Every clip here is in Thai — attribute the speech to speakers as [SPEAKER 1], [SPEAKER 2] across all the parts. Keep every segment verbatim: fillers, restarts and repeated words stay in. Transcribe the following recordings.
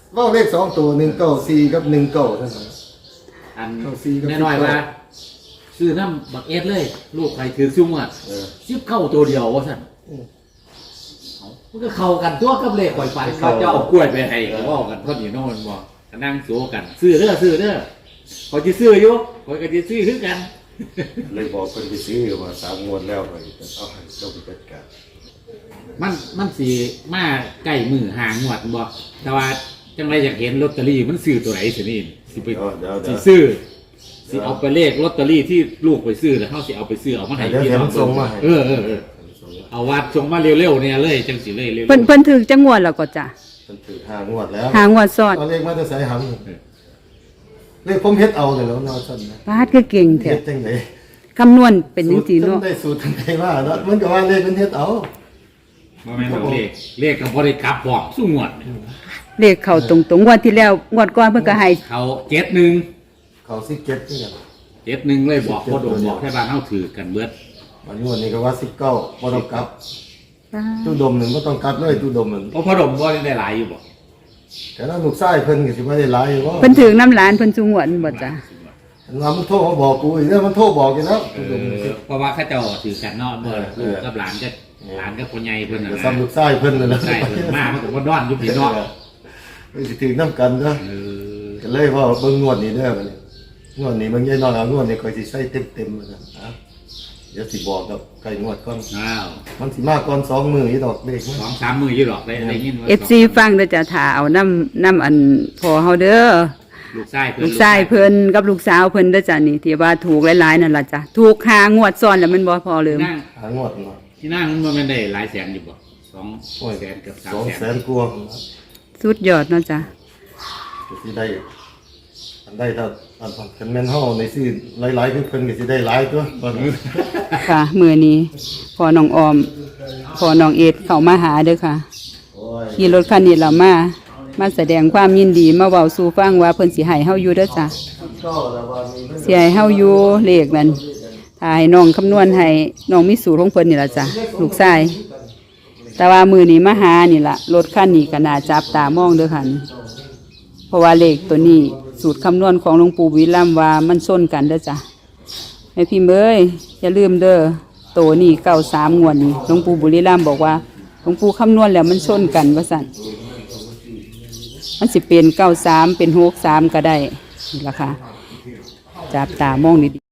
[SPEAKER 1] ว่าเลขสองตัวหนึ่งเก้าสี่กับหนึ่งเก้าท่าน
[SPEAKER 2] อันแน่นอนว่าซื้อน้ำบักเอสเลยลูกใครถือซุ้มอ่ะซิบเข้าตัวเดียวว่าสั่นมันก็เข้ากันตัวกับเลขปล่อยไปเขาจะเอากล้วยไปให้ก็ว่ากันเขาหนีโน่นบอกนั่งโซกันซื้อเด้อซื้อเด้อเขาจะซื้ออยู่เขาก็จะซื้อคือกัน
[SPEAKER 3] เลยบอกคนไปซื้อมาสามงวดแล้วไปเอาให้เจ้าไปจัดการ
[SPEAKER 2] มันมันสีมาใกล้มือห่างหวดบอกแต่ว่าจังไรอยากเห็นลอตเตอรี่มันซื้อตัวไหนสินี่สิไปสิซื้อสิเอาไปเลขลอตเตอรี่ที่ลูกไปซื้อแล้วเขาสิเอาไปซื้อเอามาให้พี่น้องส่งมาเออเออเออเอาวัดส่งมาเร็วๆเนี่ยเลยจังสิเลยเร็ว
[SPEAKER 4] เพิ่นเพิ่นถือจังงวดแล้วก็จ้ะ
[SPEAKER 3] เพิ่นถือห้างวดแล้ว
[SPEAKER 4] หางวดซ้อน
[SPEAKER 1] ตอนเลขมาจะใส่หำเลขผมเฮ็ดเอาเลยแล้วนอนสั่นนะ
[SPEAKER 4] ปาดคือเก่งแท้
[SPEAKER 1] เฮ็ดจังได๋
[SPEAKER 4] คำนวณเป็นจังซี่เนาะ
[SPEAKER 1] ได้สูตรทางใดว่าเนาะมันก็ว่าเลขมันเฮ็ดเอา
[SPEAKER 2] บ่แม่นเลขเลขก็บ่ได้กลับบอกสู้งวด
[SPEAKER 4] เลขเข้าตรงๆงวดที่แล้วงวดก่อนเพิ่นก็ให้
[SPEAKER 2] เขาเจ็ดหนึ่ง
[SPEAKER 1] เขาสิเก็บนี่กัน
[SPEAKER 2] เจ็ดหนึ่งเลยบอกพ่อโดมบอกให้บ้านเฮาถือกันเบิด
[SPEAKER 1] วันนี้วันนี้ก็ว่าสิบเก้าบ่ต้องกลับตู้ดมหนึ่งบ่ต้องกลับเลยตู้ดมมัน
[SPEAKER 2] เพราะพ่อโดมบ่ได้หลายอยู่บ่
[SPEAKER 1] แต่นั้นลูกชายเพิ่นก็สิบ่ได้หลายอยู่บ่
[SPEAKER 4] เพิ่นถือน้ำหลานเพิ่นสูงวดบ่จ้ะ
[SPEAKER 1] ว่ามันโทรมาบอกกูอีกเด้อมันโทรบอกอยู่แล้ว
[SPEAKER 2] เพราะว่าเขาเจ้าถือกันเนาะเมื่อลูกกับหลานก็หลานกับพ่อใหญ่เพิ่นน่ะ
[SPEAKER 1] ซ้ำลูกชายเพิ่นนั่นแหละ
[SPEAKER 2] ใช่มามันก็บ่ดอนอยู่พี่เนาะ
[SPEAKER 1] เพิ่นสิถือนำกันเด้อก็เลยว่าเบิ่งงวดนี้เด้อบัดนี้งวดนี้มันใหญ่น้อยเอางวดนี้ค่อยสิใช้เต็มๆว่าซั่นอ่ะเดี๋ยวสิบอกกับไก่งวดก่อน
[SPEAKER 2] อ้าว
[SPEAKER 1] มันสิมาก่อนสองมื้ออีดอกเลข
[SPEAKER 2] สองสามมื้ออยู่ดอกได้ได้ยินว่า
[SPEAKER 4] เอฟ ซี ฟังเด้อจ้ะถ้าเอาน้ำน้ำอันพอเฮาเด้อ
[SPEAKER 2] ลูกชายเพิ่น
[SPEAKER 4] ลูกชายเพิ่นกับลูกสาวเพิ่นเด้อจ้ะนี่ที่ว่าถูกหลายๆนั่นล่ะจ้ะถูกหางวดซ้อนแล้วมันบ่พอลืม
[SPEAKER 1] หางวดเนาะ
[SPEAKER 2] ที่นั่งมันบ่แม่นได้หลายแสนอยู่บ่สองแสนกับสามแสน
[SPEAKER 1] สองแสนกว่า
[SPEAKER 4] สุดยอดเนาะจ้ะ
[SPEAKER 1] สิได้อันได้ถ้าอันคันแม่นเฮาในซื้อหลายๆคือเพิ่นก็สิได้หลายตัวตอนนี้
[SPEAKER 4] ค่ะมื้อนี้พอน้องออมพอน้องเอ็ดเข้ามาหาเด้อค่ะขี่รถคันนี้แล้วมามาแสดงความยินดีมาเว้าสู่ฟังว่าเพิ่นสิให้เฮาอยู่เด้อจ้ะสิให้เฮาอยู่เลขนั้นถ้าให้น้องคำนวณให้น้องมีสูตรของเพิ่นนี่ล่ะจ้ะลูกชายแต่ว่ามื้อนี้มาหานี่ล่ะรถคันนี้ก็น่าจับตามองเด้อค่ะเพราะว่าเลขตัวนี้สูตรคำนวณของหลวงปู่วิลัมว่ามันส้นกันเด้อจ้ะแม่พี่เอ้ยอย่าลืมเด้อโตนี่เก้าสามงวดนี่หลวงปู่บุรีรัมย์บอกว่าหลวงปู่คำนวณแล้วมันส้นกันว่าสั่นมันสิเป็นเก้าสามเป็นหกสามก็ได้นี่ล่ะค่ะจับตามองดี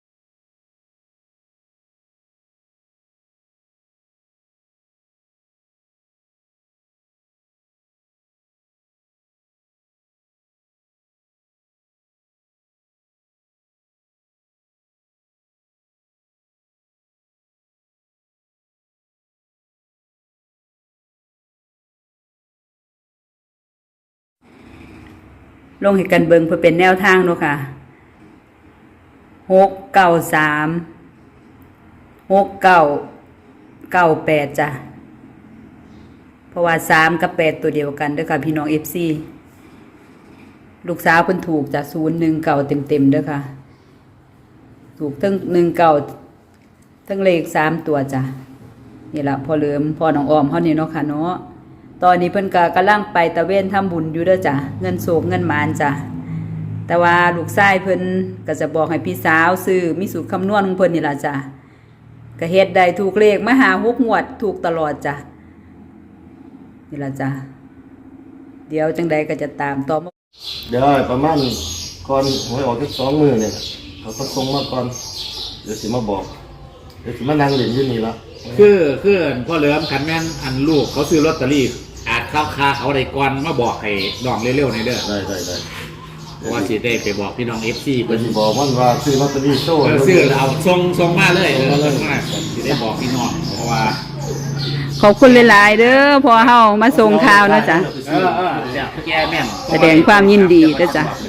[SPEAKER 4] ลงให้กันเบิงเพื่อเป็นแนวทางเนาะค่ะหกเก้าสามหกเก้าเก้าแปดจ้ะเพราะว่าสามกับแปดตัวเดียวกันเด้อค่ะพี่น้องเอฟซีลูกสาวเพิ่นถูกจากศูนย์หนึ่งเก่าเต็มเต็มเด้อค่ะถูกทั้งหนึ่งเก่าทั้งเลขสามตัวจ้ะนี่แหละพอเหลิมพอน้องออมเขานี่เนาะค่ะเนาะตอนนี้เพิ่นก็กำลังไปตะเวนทำบุญอยู่เด้อจ้ะเงินโศกเงินหมานจ้ะแต่ว่าลูกชายเพิ่นก็จะบอกให้พี่สาวซื้อมีสูตรคำนวณของเพิ่นนี่ล่ะจ้ะก็เฮ็ดได้ถูกเลขมาหาหกงวดถูกตลอดจ้ะนี่ล่ะจ้ะเดี๋ยวจังใดก็จะตามต่อ
[SPEAKER 1] เดี๋ยวประมาณก่อนหวยออกสักสองมื้อเนี่ยเขาก็ส่งมาก่อนเดี๋ยวสิมาบอกเดี๋ยวสิมานั่งเล่นอยู่นี่ละ
[SPEAKER 2] คือคือพ่อเหลิมขันแม่นอันลูกเขาซื้อลอตเตอรี่อาจเข้าคาเขาได้ก่อนมาบอกให้น้องเร็วๆในเด้อ
[SPEAKER 1] ได้ได้ได้
[SPEAKER 2] เพราะว่าสิได้ไปบอกพี่น้อง เอฟ ซี
[SPEAKER 1] เพิ่นสิบอกมันว่าซื้อลอตเตอรี่โซ่
[SPEAKER 2] ซื้อเอาส่งส่งมาเลยเออมาสิได้บอกพี่น้องเพราะว่า
[SPEAKER 4] ขอบคุณหลายๆเด้อพอเฮามาส่งข่าวนะจ๊ะ
[SPEAKER 2] เออๆเดี๋ยวแกแม่น
[SPEAKER 4] แสดงความยินดีเด้อจ้ะ